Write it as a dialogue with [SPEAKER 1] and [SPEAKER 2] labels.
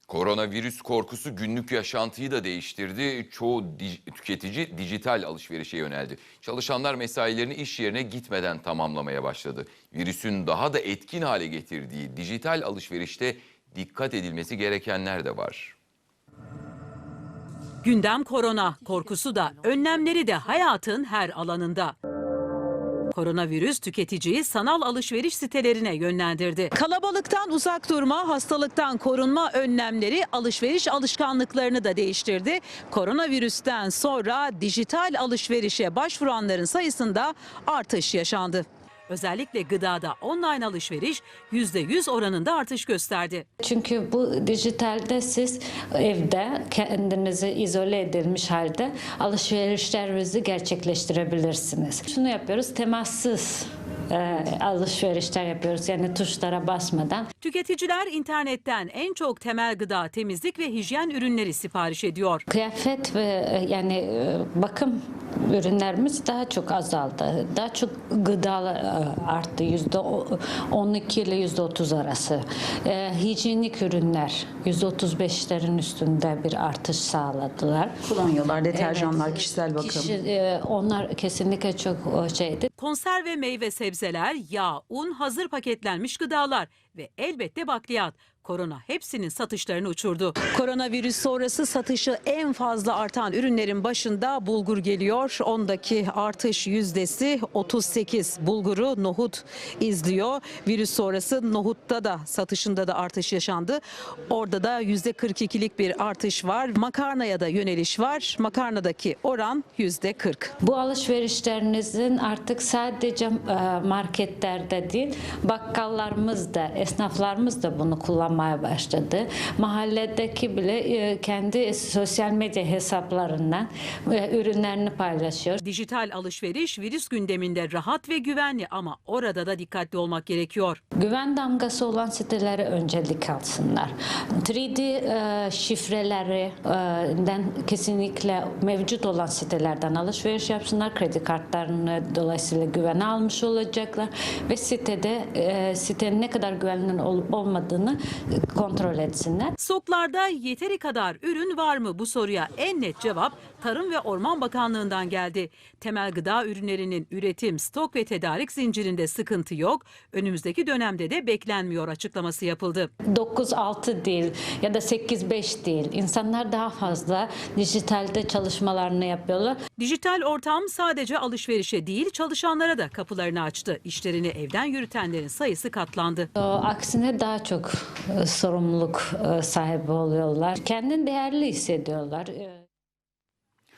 [SPEAKER 1] Koronavirüs korkusu günlük yaşantıyı da değiştirdi. Çoğu tüketici dijital alışverişe yöneldi. Çalışanlar mesailerini iş yerine gitmeden tamamlamaya başladı. Virüsün daha da etkin hale getirdiği dijital alışverişte dikkat edilmesi gerekenler de var.
[SPEAKER 2] Gündem korona, korkusu da, önlemleri de hayatın her alanında. Koronavirüs tüketiciyi sanal alışveriş sitelerine yönlendirdi. Kalabalıktan uzak durma, hastalıktan korunma önlemleri alışveriş alışkanlıklarını da değiştirdi. Koronavirüsten sonra dijital alışverişe başvuranların sayısında artış yaşandı. Özellikle gıdada online alışveriş %100 oranında artış gösterdi.
[SPEAKER 3] Çünkü bu dijitalde siz evde kendinizi izole edilmiş halde alışverişlerinizi gerçekleştirebilirsiniz. Şunu yapıyoruz, temassız alışverişler yapıyoruz, yani tuşlara basmadan.
[SPEAKER 2] Tüketiciler internetten en çok temel gıda, temizlik ve hijyen ürünleri sipariş ediyor.
[SPEAKER 3] Kıyafet ve bakım ürünlerimiz daha çok azaldı. Daha çok gıda arttı, %12 ile %30 arası. Hijyenik ürünler %35'lerin üstünde bir artış sağladılar.
[SPEAKER 4] Kolonyalar, deterjanlar, evet, kişisel bakım.
[SPEAKER 3] Onlar kesinlikle çok şeydi.
[SPEAKER 2] Konserve meyve sebzeler, yağ, un, hazır paketlenmiş gıdalar ve elbette bakliyat. Korona hepsinin satışlarını uçurdu. Koronavirüs sonrası satışı en fazla artan ürünlerin başında bulgur geliyor. Ondaki artış yüzdesi 38. Bulguru, nohut izliyor. Virüs sonrası nohutta da satışında da artış yaşandı. Orada da %42'lik bir artış var. Makarnaya da yöneliş var. Makarnadaki oran %40.
[SPEAKER 3] Bu alışverişlerinizin artık sadece marketlerde değil, bakkallarımız da, esnaflarımız da bunu kullanmaya başladı. Mahalledeki bile kendi sosyal medya hesaplarından ürünlerini paylaşıyor.
[SPEAKER 2] Dijital alışveriş virüs gündeminde rahat ve güvenli ama orada da dikkatli olmak gerekiyor.
[SPEAKER 3] Güven damgası olan sitelere öncelik alsınlar. 3D şifrelerinden kesinlikle mevcut olan sitelerden alışveriş yapsınlar. Kredi kartlarını dolayısıyla güvene almış olacaklar ve sitenin ne kadar güvenilir olup olmadığını kontrol etsinler.
[SPEAKER 2] Stoklarda yeteri kadar ürün var mı? Bu soruya en net cevap Tarım ve Orman Bakanlığı'ndan geldi. Temel gıda ürünlerinin üretim, stok ve tedarik zincirinde sıkıntı yok. Önümüzdeki dönemde de beklenmiyor açıklaması yapıldı.
[SPEAKER 3] 9-6 değil ya da 8-5 değil. İnsanlar daha fazla dijitalde çalışmalarını yapıyorlar.
[SPEAKER 2] Dijital ortam sadece alışverişe değil çalışanlara da kapılarını açtı. İşlerini evden yürütenlerin sayısı katlandı.
[SPEAKER 3] Aksine daha çok sorumluluk sahibi oluyorlar. Kendini değerli hissediyorlar.